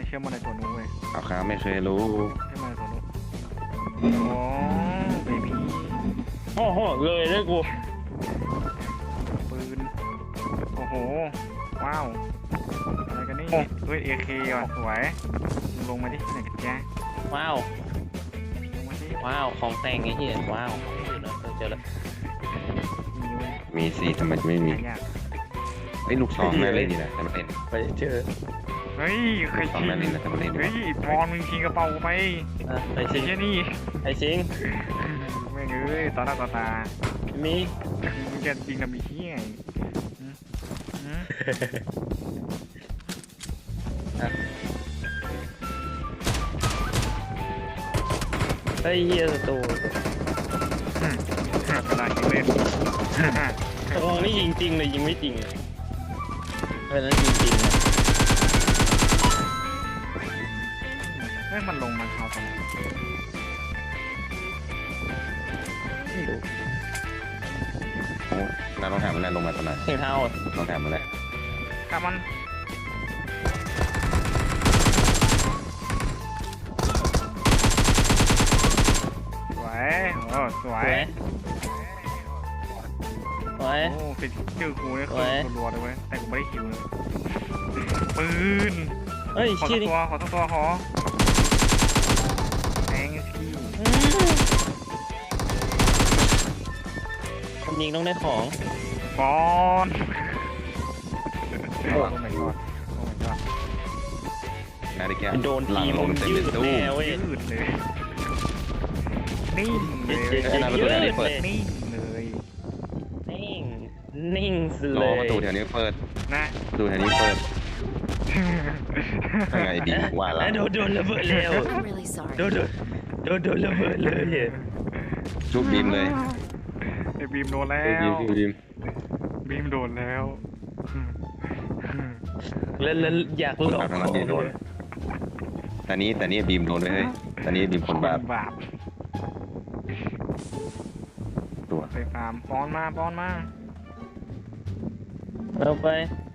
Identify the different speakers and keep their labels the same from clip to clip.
Speaker 1: เชื่อมันในตัวนู้นเว้ย
Speaker 2: เอาครับไม่เคยรู้
Speaker 1: เชื่อมันในตัวนู้นโอ้เบบี้
Speaker 3: โอ้โหเลยเลยกู
Speaker 1: ปืนโอ้โหว้าวอะไรกันนี่เฮ้ย AK ว่ะสวยมึงลงมาดิไหนกันแก
Speaker 3: ว้าว
Speaker 1: ลงมาดิ
Speaker 3: ว้าวของแต่งไอ้เหี้ยว้าวเจอแล้ว
Speaker 1: มีเว้ย
Speaker 2: มีสิทำไมจะไม่มี
Speaker 1: หายาก
Speaker 2: ไอ้ลูกซองน่าเล่นดีนะแต่มันเล่น
Speaker 3: ไปเจอ
Speaker 1: เฮ้ยใคร
Speaker 2: ลูกซอง
Speaker 1: ชิง
Speaker 2: น่าเล่นนะแต่มันเล่นดี
Speaker 1: เฮ้ยปอนมึงชิงกระเป๋ากูไป
Speaker 3: ไป
Speaker 1: ไอ้
Speaker 3: ชิง
Speaker 1: เชี่ยนี่
Speaker 3: ไอ้ชิง
Speaker 1: แม่งเอ้ยต่อหน้าต่อตา
Speaker 3: มี
Speaker 1: มึงจะยิงทำไอ้เหี้ยหืมหืม
Speaker 3: ไอ้เหี้ยศัตรู
Speaker 1: กระดาษยิงเล่น
Speaker 3: ตกลงนี่ยิงจริงเลยยิงไม่จริงเพราะนั้นยิงจริงนะ
Speaker 1: เฮ้ยมันลงมันเอาตรงไหน
Speaker 3: ไม่รู้
Speaker 2: โอ้น้าต้องถามมันแน่ลงมาตอนไหน
Speaker 3: เสียงเท้า
Speaker 2: ต้องถามมันแน่
Speaker 1: กลับมันสวยโอ้สวย
Speaker 3: ไว้
Speaker 1: โอ้เป็นชื่อกูเนี่ย
Speaker 3: สวย
Speaker 1: คือรัวๆเลยเว้ยแต่กูไม่ได้คิวเลยปืน
Speaker 3: เฮ้ย
Speaker 1: ขอ
Speaker 3: ชี้
Speaker 1: สัก
Speaker 3: ดิ
Speaker 1: ตัวขอสักตัวขอแทงพี่
Speaker 3: คนยิงต้องได้ของ
Speaker 1: บอลโอ้ my god โอ้ my god
Speaker 2: น่าได้แก้
Speaker 3: โดน
Speaker 2: หลั
Speaker 3: ที
Speaker 2: ง
Speaker 3: ม
Speaker 2: ลงเต็ม
Speaker 3: ยื
Speaker 2: เลย
Speaker 3: ด
Speaker 2: ตู้
Speaker 3: แน่เว้ย
Speaker 1: ยืดเลยนิ่งเลย
Speaker 2: ไอ้น้าประตูแถวนี้เปิด
Speaker 1: นิ่งเลย
Speaker 3: นิ่งนิ่งสุด
Speaker 2: ร
Speaker 3: เล
Speaker 2: อย ประตูแถวนี้เปิด
Speaker 1: นะ
Speaker 2: ประตูแถวนี้เปิดยังไงดีว่าแล้ว
Speaker 3: โดนระเบิดแล้ว
Speaker 4: I'm really sorry.
Speaker 3: โดนระเบิดเลย
Speaker 2: ชุบบีมเลย
Speaker 1: ไอ้บีมโดนแล้
Speaker 2: ชุบบีม
Speaker 1: ว
Speaker 2: ชุบบีม
Speaker 1: บีมโดนแล้ว
Speaker 3: แล้วอยากลอง
Speaker 2: ทางนั้นโดนแต่นี้บีมโดนเลยเฮ้ยแต่นี้บีมคนบาป
Speaker 1: บาป
Speaker 2: ตัว
Speaker 1: ไปฟาร์มป้อนมาป้อนมา
Speaker 3: เอาไป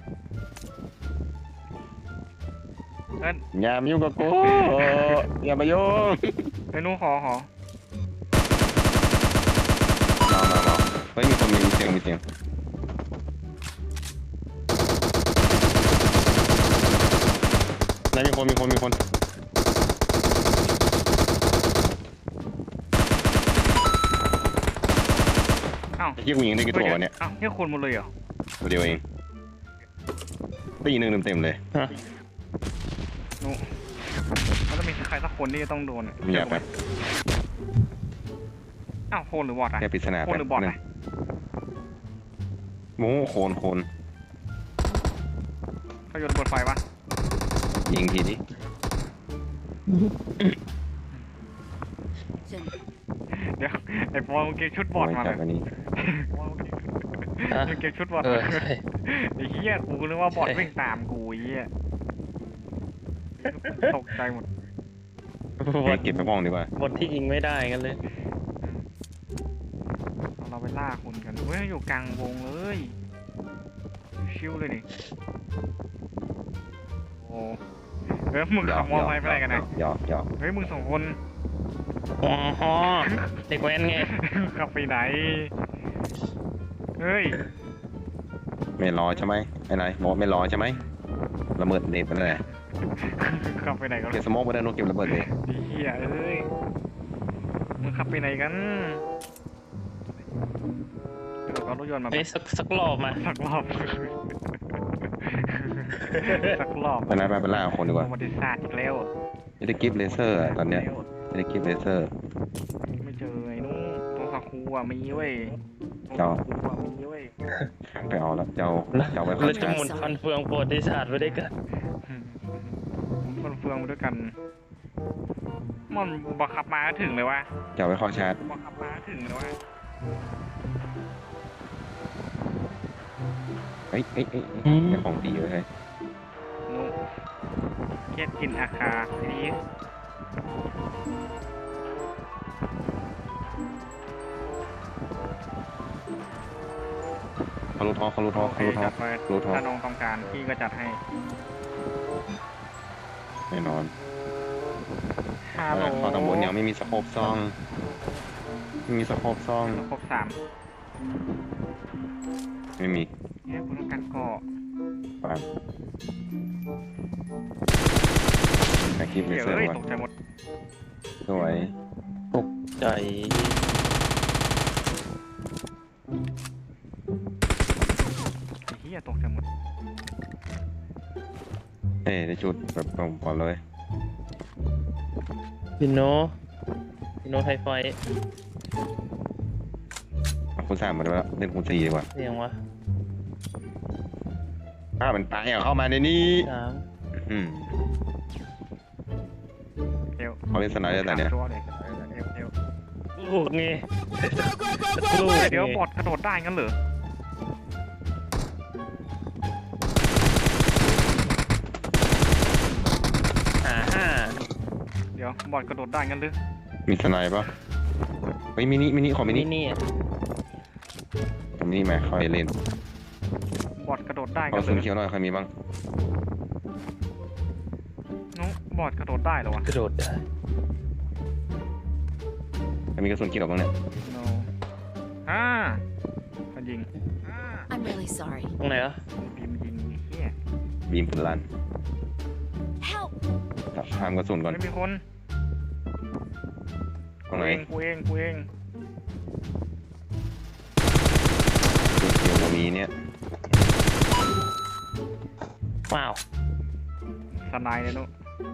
Speaker 1: เอิ้น
Speaker 2: อย่ามายุ่งกับกูอย่ามายุ่ง
Speaker 1: ไอ้หนูขอ
Speaker 2: มาเฮ้ยมีคนมีเสียงไหนมีคน
Speaker 1: อ้าว
Speaker 2: ไอ้ที่กูยิงได้กี่ตัววะเนี่ย
Speaker 1: อ้าวนี่คนหมดเลยเหรอ
Speaker 2: ตัวเดียวเองได้ยิงหนึ่งเต็มเลย
Speaker 1: หนูมันต้องมีใครสักคนที่จะต้องโดน
Speaker 2: มียาแป๊บ
Speaker 1: อ้าวโคนหรือบอทอะ
Speaker 2: แค่ปริศนา
Speaker 1: โคน
Speaker 2: แป๊บ
Speaker 1: หรือบอท
Speaker 2: นึง
Speaker 1: อะ
Speaker 2: โม้โคน
Speaker 1: เขาโยนระเบิดไฟปะ
Speaker 2: ยิงทีนี้
Speaker 4: Jen,
Speaker 1: เดี๋ยวไอ้ปอนมึงเก็บชุดบอทมา
Speaker 2: จั
Speaker 1: เล
Speaker 2: บ
Speaker 1: ย
Speaker 2: อันนี้
Speaker 1: มึงเก็บชุดบอท
Speaker 3: เออ
Speaker 1: มา
Speaker 3: ใช่
Speaker 1: ไอ้เหี้ยกูนึกว่าบอท
Speaker 3: ใช่
Speaker 1: วิ่งตามกูไอ้เหี้ยตกใจหมด
Speaker 2: เก็บไปมองดีกว่า
Speaker 3: บทที่ยิงไม่ได้กันเลย
Speaker 1: เราไปล่าคนกันเฮ้ยอยู่กลางวงเลยชิวเลยนี่โอ้เฮ้ยมึงขับมอเตอร์ไซค์ไปไหนกันนะ
Speaker 2: หยอก
Speaker 1: เฮ้ยมึงสองคน
Speaker 3: อ๋อเด็กแว้นไง
Speaker 1: ขับไปไหนเฮ้ย
Speaker 2: ไม่รอใช่ไหมไอ้นายบอกไม่รอใช่ไหมระเบิดเน็ตไปเลย
Speaker 1: ขับไปไหนกัน
Speaker 2: เก็บสโมองไปได้นกเก็บระเบิดเลย
Speaker 1: ดีเหี้ยเอ้ยมึงขับไปไหนกันเดี๋ยวเอารถยนต์มา
Speaker 3: เฮ้ยสักรอบมา
Speaker 1: สักรอบสักรอบ
Speaker 2: ไปนายไปล่าคนดีกว่า
Speaker 1: ประวัติศาสตร์อีกแล้ว
Speaker 2: จะได้กิฟต์เลเซอร์ตอนเนี้ยจะได้กิฟต์เลเซอร์
Speaker 1: ไม่เจอไอ้นู้นตัวคาคูอ่ะมีเว้ย
Speaker 2: เจ้า
Speaker 1: ตัวคาคูอ่ะมีเว้ย
Speaker 2: ไปเอาแล้วเจ้าไว้คอ
Speaker 3: เรา
Speaker 2: น
Speaker 3: จะ
Speaker 2: ชา
Speaker 3: หมุนฟันเฟืองโปรติศาสตร์ไปด้วยกัน
Speaker 1: มันเฟืองมาด้วยกัน มันบังคับมาก็ถึงเลยวะ
Speaker 2: เจ้าไว้คอชาร์จ
Speaker 1: บังคับมาก็ถึงเลยวะ
Speaker 2: เอ้ยเป็นของดีเลย
Speaker 1: นูเกียดกินอาคาดี
Speaker 2: เขารู้ท้อ
Speaker 1: โอเคจัดไป
Speaker 2: รู้ท้อ
Speaker 1: ถ้าน้องต้องการพี่ก็จัดให้
Speaker 2: แน่นอน
Speaker 1: ฮัลโหล
Speaker 2: เขาตำบลยังไม่มีสโคปซองไม่มีสโคปซอง
Speaker 1: ครบ3
Speaker 2: ไม่มี
Speaker 1: เนี่ยกูต้องการเกาะ
Speaker 2: ปานถ่ายคลิปเล
Speaker 1: เดี๋ยว
Speaker 2: เซอร์
Speaker 1: เอ้ย
Speaker 2: ว่ะ
Speaker 1: ตกใจหมด
Speaker 2: สวย
Speaker 3: ใจ
Speaker 1: ไอ้เหี้ยตกใจหมด
Speaker 2: ได้จุดแบบตรงก่อนเลย
Speaker 3: พิโนไทไฟ
Speaker 2: เอาคุณสามมาด้วยเล่นคุณสี่ดีกว่า
Speaker 3: เรียงวะ
Speaker 2: มันตายอ่ะเข้ามาในนี้
Speaker 3: 3
Speaker 2: อืม
Speaker 1: เอว
Speaker 2: เขาเล่นสไนด์ได้แต่เนี้ย
Speaker 1: ตัวเลยเอว
Speaker 3: ลูกไงลูก
Speaker 1: เดี๋ยวบอดกระโดดได้งั้นเหรอ เดี๋ยวบอดกระโดดได้งั้นหรือ
Speaker 2: มีสไนด์ปะเฮ้ยมินิขอมินิ
Speaker 3: นี่
Speaker 2: มินิมาเขาให้เล่น
Speaker 1: บอดกระโดดได้
Speaker 2: เอา
Speaker 1: งั้นเหร
Speaker 2: ซุน
Speaker 1: อ
Speaker 2: เขียวหน่อยใครมีบ้าง
Speaker 1: นุ๊กบอดกระโดดได้เหรอวะ
Speaker 3: กระโดดได้
Speaker 2: ใครมีกระสุนเขียวบ้างเนี่ย
Speaker 1: no มันยิง
Speaker 4: I'm really sorry.
Speaker 3: ตรงไหนวะ
Speaker 1: บีมยิงไอ้เหี้ย
Speaker 2: บีมปืนลั่น
Speaker 4: Help!
Speaker 2: ห้ามกระสุนก่อน
Speaker 1: ไม่มีคน
Speaker 2: ตรงไหน
Speaker 1: กูเอง
Speaker 2: กระสุนเขียวมีเนี่ย
Speaker 3: ว้าว
Speaker 1: สไนด์เลยนุ๊ก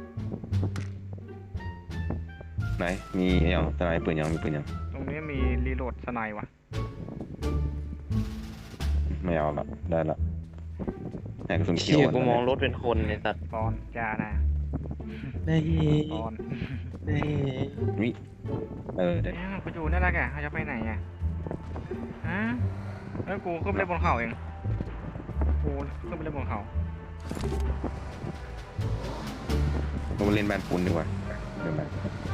Speaker 2: ไหนมีอย่างสไนด์ปืนยังมีปืนยัง
Speaker 1: ตรงนี้มีรีโหลดสไนด์ว่ะ
Speaker 2: ไม่เอาละได้ละแต่กระสุนเขี
Speaker 3: เชี่
Speaker 2: ยวย
Speaker 3: กูมองรถเป็นคนในสัตว์
Speaker 1: ปอนจ้านะ
Speaker 3: นี่
Speaker 1: ปอน
Speaker 3: นี่
Speaker 2: วิเดี๋ยว
Speaker 1: เนี่ยกูอยู่นั่นแหละแกเขาจะไปไหนอ่ะฮะแล้วกูขึ้นไปเล่นบนเขาเองกูขึ้นไปเล่นบนเขา
Speaker 2: เรามาเล่นแบนปูนดีกว่าเดี๋ยวมา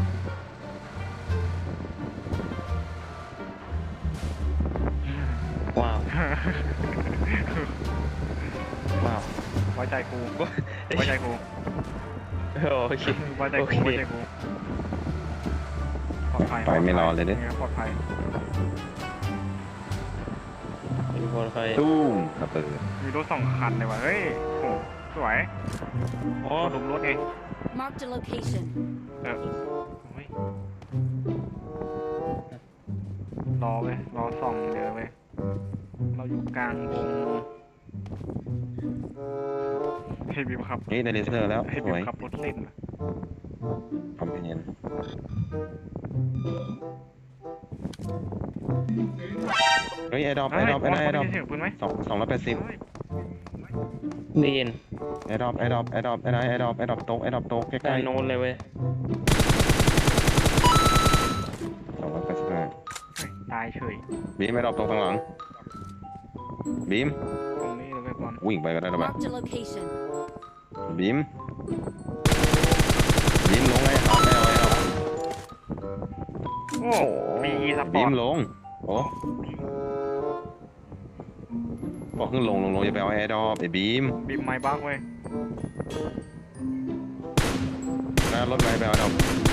Speaker 3: ว้าวว้าว
Speaker 1: ไว้ใจกูไว้ใจกู
Speaker 3: โอเค
Speaker 1: ไว้ใจ
Speaker 3: โอ
Speaker 1: กู
Speaker 3: เค
Speaker 1: ไว้ใจกูปลอดภัย
Speaker 2: ไปไม่รอเลยเด้
Speaker 1: ปลอดภัย
Speaker 3: ทุกคนใคร
Speaker 2: ตุ้มระเบิด
Speaker 1: มีรถ2 คันเลยว่ะเฮ้ยโหสวย
Speaker 3: อ๋อ
Speaker 1: กดลุมรถเอง
Speaker 4: Marked a location.
Speaker 1: โอ้ยรอเว้ยรอส่องเดี๋ยวเว้ยเราอยู่กลางวงให้บีมขับ
Speaker 2: เฮ้ยได้เลเซอร์แล้ว
Speaker 1: ให้
Speaker 2: ส
Speaker 1: บี
Speaker 2: ว
Speaker 1: ม
Speaker 2: ย
Speaker 1: ขับรถเล่นว่ะ
Speaker 2: คอมเพนเนียนเฮ้ยไอ้ดอป
Speaker 1: เฮ้ย
Speaker 2: ไอ้ดอป
Speaker 1: บอล
Speaker 2: ไอ้ดอป
Speaker 1: ได้ยินเสียงปืนไหม
Speaker 2: 280
Speaker 1: เฮ้ย
Speaker 3: ได้ยิน
Speaker 2: ไอ้ดอปโต๊ะใก
Speaker 3: ด้า
Speaker 2: ล้
Speaker 3: นโน้นเลยเว้ย
Speaker 2: ๆ285
Speaker 1: เฮ้ยตายเฉย
Speaker 2: บีมไอ้ดอปโต๊ะข้างหลังบีม
Speaker 1: ตรงนี้เลยเว้ยบอล
Speaker 2: วิ่งไปก็ได้แล้วแบบ
Speaker 4: Marked a location.
Speaker 2: บีมลงไงครับไม่เอาไอ้ดอป
Speaker 1: โอ้มีสป
Speaker 2: บี
Speaker 1: อร์
Speaker 2: ม
Speaker 1: ต
Speaker 2: ลงโอ้บอกขึ้นลงอย่าไปเอาไอ้ดอปไอ้บีม
Speaker 1: บีมไม้บักเว้ย
Speaker 2: หน้ารถไปเอาไอ้ดอป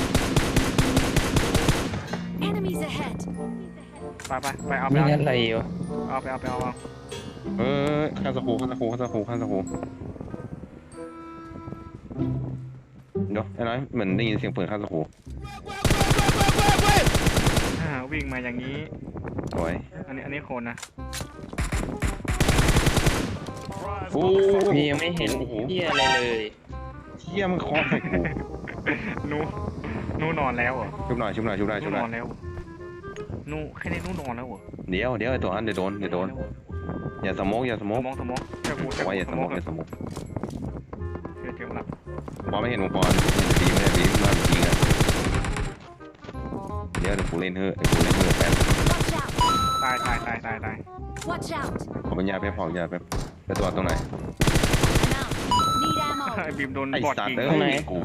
Speaker 4: Enemies ahead.
Speaker 1: ไปเอาไป
Speaker 3: นี่
Speaker 1: เอา
Speaker 3: อะไรวะ
Speaker 1: เอาไปเอา
Speaker 2: ข้างสกูเดี๋ยวไอ้น้อยเหมือนได้ยินเสียงปืนข้างสกู
Speaker 1: วิ่งมาอย่างนี้
Speaker 2: สวย
Speaker 1: อันนี้คนนะ
Speaker 2: โอ้
Speaker 3: พี่ยังไม่เห็นเหี้ยอะไรเลย
Speaker 2: เที่ยมันเคาะใส่กู
Speaker 1: นูนอนแล้วเหรอ
Speaker 2: ชุบหน่อย
Speaker 1: นูนอนแล้วนูแค่นี้นูนอนแล้วเหรอ
Speaker 2: เดี๋ยวไอ้ตัวนั้นเดี๋ยวโดนอย่าสโมก
Speaker 1: สมองแค่กู
Speaker 2: บอกว่าอย่าสโมก
Speaker 1: เจอมาแล้ว
Speaker 2: บอลไม่เห็นวงบอลดีไม่ดีมาจริงอ่ะเดี๋ยวกูเล่นเฮ้แป๊บ
Speaker 4: Watch out!
Speaker 1: ตาย
Speaker 4: Watch out!
Speaker 2: ขอปัญญาไปพอยาไปตัวตรงไหน
Speaker 4: I'm out. Need
Speaker 1: ไอ้
Speaker 4: ammo.
Speaker 1: บีมโดน
Speaker 2: ไอ้
Speaker 1: บอด
Speaker 2: สัต
Speaker 1: ยิ
Speaker 2: ว์
Speaker 1: ง
Speaker 2: เอ้ยกู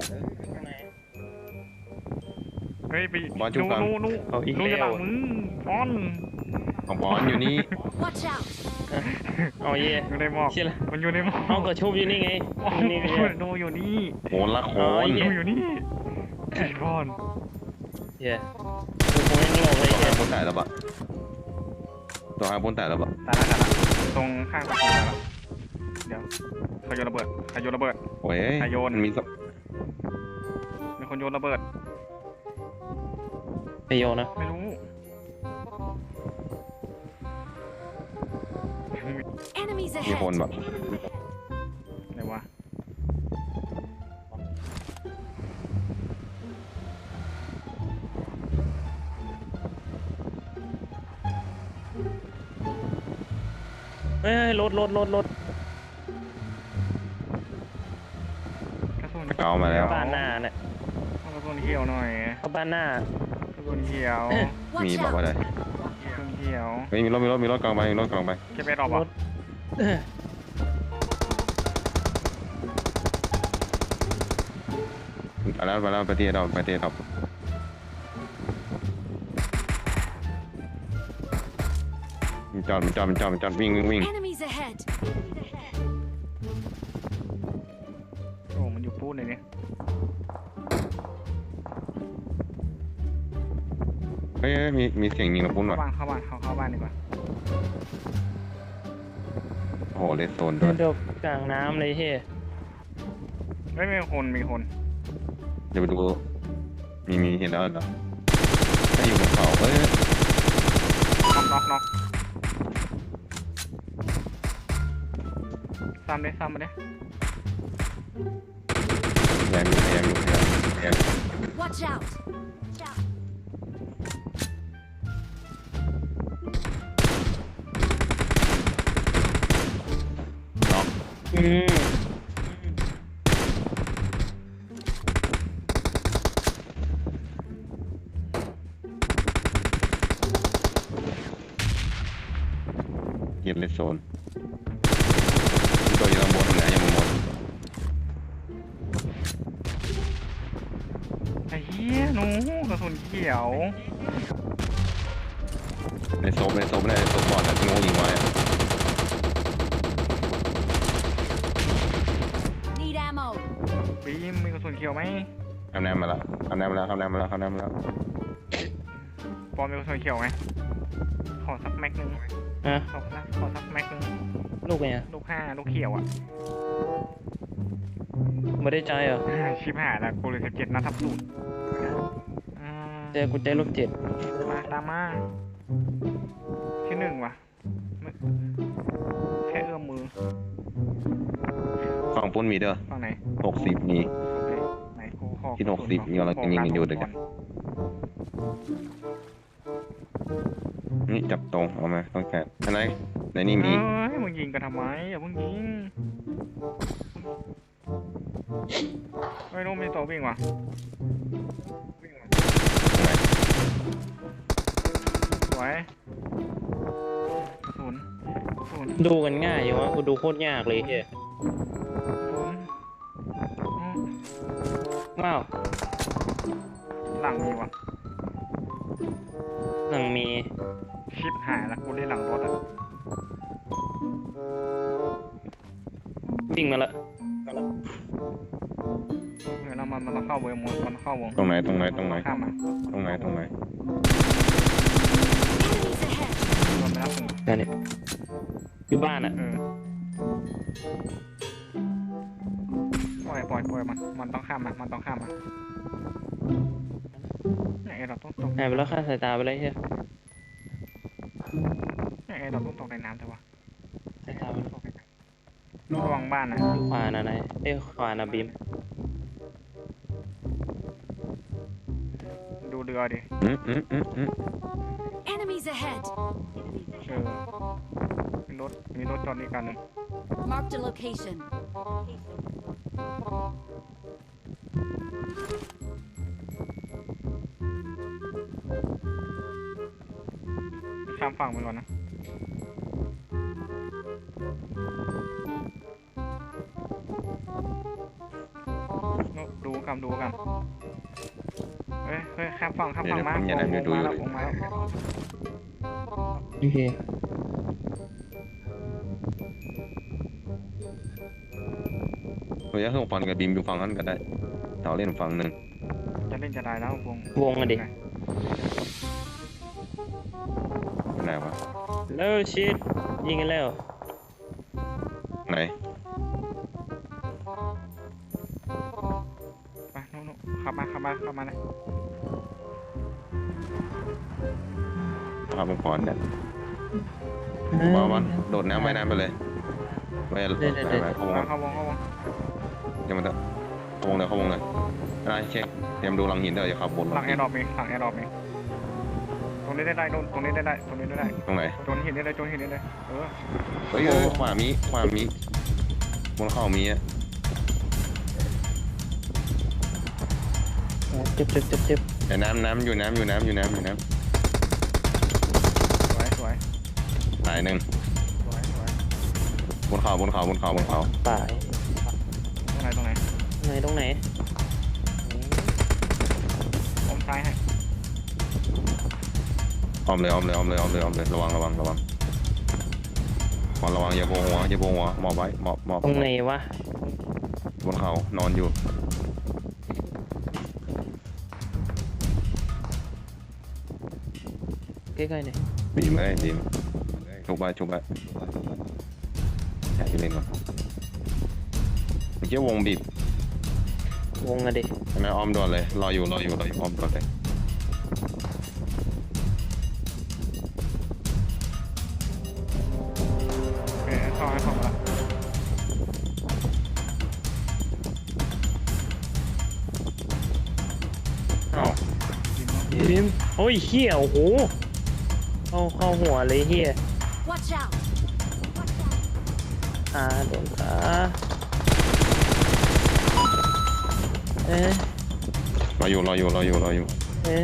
Speaker 1: เฮ้ยไป
Speaker 2: บอลจุ๊บกัน
Speaker 3: เอาอีก
Speaker 1: นู
Speaker 3: แล้
Speaker 1: จะหลั
Speaker 3: ว
Speaker 1: งมึงบอล
Speaker 2: ของบอลอยู่นี่
Speaker 4: Watch out!
Speaker 3: เอาเย่
Speaker 1: อยู่ในหมอก
Speaker 3: เชี่ยละ
Speaker 1: มันอยู่ในหมอก
Speaker 3: เอาก็ชุบอยู่นี่ไง
Speaker 1: โอ้โห
Speaker 3: นี่ไง
Speaker 1: โนอยู่นี่
Speaker 2: โหนละโห
Speaker 3: อ๋อ
Speaker 2: น
Speaker 3: เหี้
Speaker 1: โนอยู่นี่จีบอล
Speaker 3: เย่กูคงยังหลงเลย
Speaker 2: ตัว
Speaker 3: เย่
Speaker 2: หางบนแต่แล้วปะตัวหางบนแต่แล้วปะ
Speaker 1: ตายละตรงข้างประตูตายละเดี๋ยวใครโยนระเบิดใครโยนระเบิด
Speaker 2: โอ้ย
Speaker 1: ใครโยน
Speaker 2: มันมีสัก
Speaker 1: มีคนโยนระเบิด
Speaker 3: ไปโยนนะ
Speaker 1: ไม่รู้
Speaker 4: Enemies
Speaker 2: มีคน
Speaker 4: ahead.
Speaker 2: แบบ
Speaker 1: ไหนวะ
Speaker 3: เฮ้ยรถ
Speaker 1: กระสุน
Speaker 2: เกามาแล้ว
Speaker 3: บ้านหน้าเนี่ย
Speaker 1: เอากระสุนเขียวหน่อย
Speaker 3: เข้าบ้านหน้าก
Speaker 1: ระสุนเขียว
Speaker 2: มี
Speaker 4: Watch
Speaker 2: บอกว่า
Speaker 4: out.
Speaker 2: อะไร
Speaker 1: กระสุนเขียว
Speaker 2: เฮ้ยมีรถกลางไปมีรถกลางไป
Speaker 1: เก็บไปรอบ
Speaker 3: ร
Speaker 1: อ่ะ
Speaker 3: ถ
Speaker 2: เอาแล้วมาแล้วไปเตี้ยดอกไปเตี้ยดอกมันจอดวิ่ง
Speaker 4: Enemies ahead.
Speaker 1: โอ้มันอยู่ปูนเลยเนี่ย
Speaker 2: เฮ้ยมีเสียงยิงระปุ้นว่ะ
Speaker 1: เข้าบ้านเข้าบ้านดีกว่า
Speaker 2: โอ้โหเลสโซนด้วย
Speaker 3: เดี๋ยวกลางน้ำเลยเฮ้ย
Speaker 1: เฮ้ยมีคน
Speaker 2: เดี๋ยวไปดูมีเห็นแล้วเหรอถ้าอยู่บนเขาเฮ้ย
Speaker 1: น็อกซ้ำมาดิ
Speaker 2: แรงอยู่
Speaker 4: Watch out.
Speaker 2: น็อก
Speaker 3: อืม
Speaker 2: เย็นเลสโซนตัวอยู่ตรงบนไหนยังไม่หมด
Speaker 1: ไอ้เหี้ยหนูกระสุนเขียว
Speaker 2: ในโซฟบอดแต่ที่งูยิงไว้
Speaker 4: Need ammo.
Speaker 1: บีมมีกระสุนเขียวไหม
Speaker 2: ทำแนมมาแล้ว
Speaker 1: ปอมมีกระสุนเขียวไหมขอสักแม็กนึง
Speaker 3: ฮะ
Speaker 1: ขอสักแม็กนึง
Speaker 3: ลูกไง
Speaker 1: ลูกเขียวอ่ะ
Speaker 3: ไม่ได้ใจเหรอ
Speaker 1: ชิบหายละกูเลย17นัดทับสูตร
Speaker 3: เจอกูใจลูก7
Speaker 1: มาตามมาที่หนึ่งว่ะไม่แค่เอื้อมมือ
Speaker 2: ฝั่งปุ้นมีเด้อ
Speaker 1: ฝั่งไหน
Speaker 2: 60มี
Speaker 1: ไหนกูขอ
Speaker 2: ที่60นี่เรายิงกันอยู่เดี๋ยว นี่จับตรงเอามาต้องแกะอันไหนในนี่มี
Speaker 1: เฮ้ยมึงยิงกันทำไมอย่าเพิ่งยิงไม่รู้มีตัววิ่งว่ะ
Speaker 2: ตรงไหน
Speaker 1: สวยกระสุน
Speaker 3: ดูกันง่ายอยู่วะกูดูโคตรยากเลยเฮ้ย ว้าว
Speaker 1: หลังมีว่ะ
Speaker 3: หนังมี
Speaker 1: ชิปหายละกูได้หลังรถอ่ะ
Speaker 3: วิ่งมาละ
Speaker 1: เดี๋ยวมันต้องเข้าวงมันเข้าวง
Speaker 2: ตรงไหน
Speaker 1: ข้ามมา
Speaker 2: ตรงไหน
Speaker 4: Enemies ahead.
Speaker 1: รวมไปแล้วถึง
Speaker 3: นั่นเนี่ยอยู่บ้านอ่ะ
Speaker 1: ปล่อยมันต้องข้ามมาไหนเราต้องตก
Speaker 3: หายไปแล้วค่าสายตาไปเลยเฮ้ย
Speaker 1: ไหนเราต้องตกในน้ำแต่ว่า
Speaker 3: สายตาไปแล้ว
Speaker 1: ระวังบ้านนะ
Speaker 3: อยู่ขวานะนายขวานะบีม
Speaker 1: ดูเรือดิ
Speaker 4: Enemies ahead.
Speaker 1: มีรถจอดนี่กันหนึ่ง
Speaker 4: Marked a location.
Speaker 1: ข้ามฝั่งไปก่อนนะดูกันเฮ้ยข้ามฝั่งมาวงมาแล้ว
Speaker 3: โอเค
Speaker 2: เฮ้ยเครื่องฟันกับบีมอยู่ฝั่งนั้นก็ได้เราเล่นฝั่งหนึ่ง
Speaker 1: จะเล่นจะได้แล้ววง
Speaker 3: วงอะดิ
Speaker 2: ไหนวะ
Speaker 3: แล้วชิดยิงกันแล้ว
Speaker 2: ไหน
Speaker 1: ไปนู่นขับมาเลย
Speaker 2: ภาพมันพรเนี่ยมาวันโดดน้ำว่ายน้ำไปเลยไปเข้าวง
Speaker 1: เข้าวง
Speaker 2: เดี๋ยวมันจะเข้าวงเลยอะไรเช็คเตรียมดูหลังหินเดี๋ยวจะขับบน
Speaker 1: หลังแอร์ดรอปเองตรงนี้ได้ตรงนี้ได้
Speaker 2: ตรงไหน
Speaker 1: โจนเห็นได้เลยเออ
Speaker 2: เฮ้ยขวามีบนเข้ามีอ่ะ
Speaker 3: เจ็บ
Speaker 2: แต่น้ำอยู่น้ำ
Speaker 1: สวย
Speaker 2: ตายหนึ่งบนเขา
Speaker 3: ป่าย
Speaker 1: ตรงไหน
Speaker 3: ตรงไหน
Speaker 1: ผมซ้ายให้
Speaker 2: อ้อมเลยระวังขอระวังอย่าโผล่หัวหมอบไว้หมอบ
Speaker 3: ตรงไหนวะ
Speaker 2: บนเขานอนอยู่
Speaker 3: ใกล้ๆหน่อย
Speaker 2: บีมชุบไว้อยากจะเล่นก่อนเมื่อกี้วงบีบ
Speaker 3: วงอะดิ
Speaker 2: ใช่ไหมอ้อมด่วนเลยรออยู่อ้อมด่วนเลย
Speaker 1: โอเคเข้ามาละ
Speaker 2: เอา
Speaker 3: ยิมโอ้ยเฮียโอ้โหเข้าหัวเลยเฮีย
Speaker 4: Watch out!
Speaker 3: โดนขาเอ๊ะ
Speaker 2: รออยู่
Speaker 3: เอ๊ะ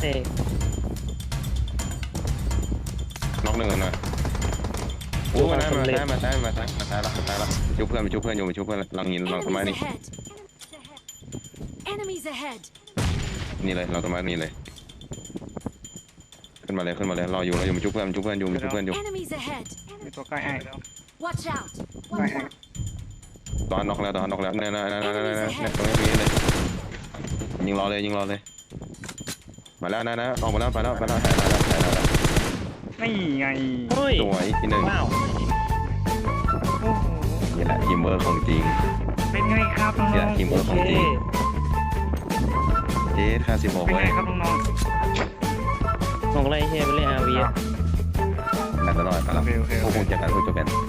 Speaker 2: น็อกหนึ่งนะโอ้มาได้ละชุบเพื่อนอยู่หลังหินหลังต้นไม้
Speaker 4: Enemies
Speaker 2: นี่
Speaker 4: ahead! Enemies ahead!
Speaker 2: นี่เลยหลังต้นไม้นี่เลยขึ้นมาเลยรออยู่มาชุบเพื่อนอยู่
Speaker 4: Enemies ahead!
Speaker 1: มีตัวใกล้ไอ้
Speaker 4: Watch out!
Speaker 1: ใกล้ไอ้
Speaker 2: ตอนน็อกแล้วเนี่ยตรงนี้มีเลยยิงรอเลยมาแล้วนะออกมาแล้วไปแล้ว
Speaker 1: นี่ไง
Speaker 3: เฮ้ย
Speaker 2: สวยที่หนึ่ง
Speaker 3: ว้าว
Speaker 1: โอ้โห
Speaker 2: นี่แหละทีมเวิร์คของจริง
Speaker 1: เป็นไงครับน้
Speaker 2: นี่แห
Speaker 1: อ
Speaker 2: ละ
Speaker 1: ง
Speaker 2: ทีมเวิร์ค
Speaker 3: โอ
Speaker 2: ของ
Speaker 3: เค
Speaker 2: จริงเจ๊50บอก
Speaker 1: ๆเป็น
Speaker 2: ไว้
Speaker 1: ไงครับน้อง
Speaker 3: ของอะไรเฮียไปเล่นอาวี
Speaker 1: ๆ
Speaker 3: อะ
Speaker 2: กันตลอดครับ
Speaker 1: โอเค
Speaker 2: พวกคุณจะกันพวกจะเป็น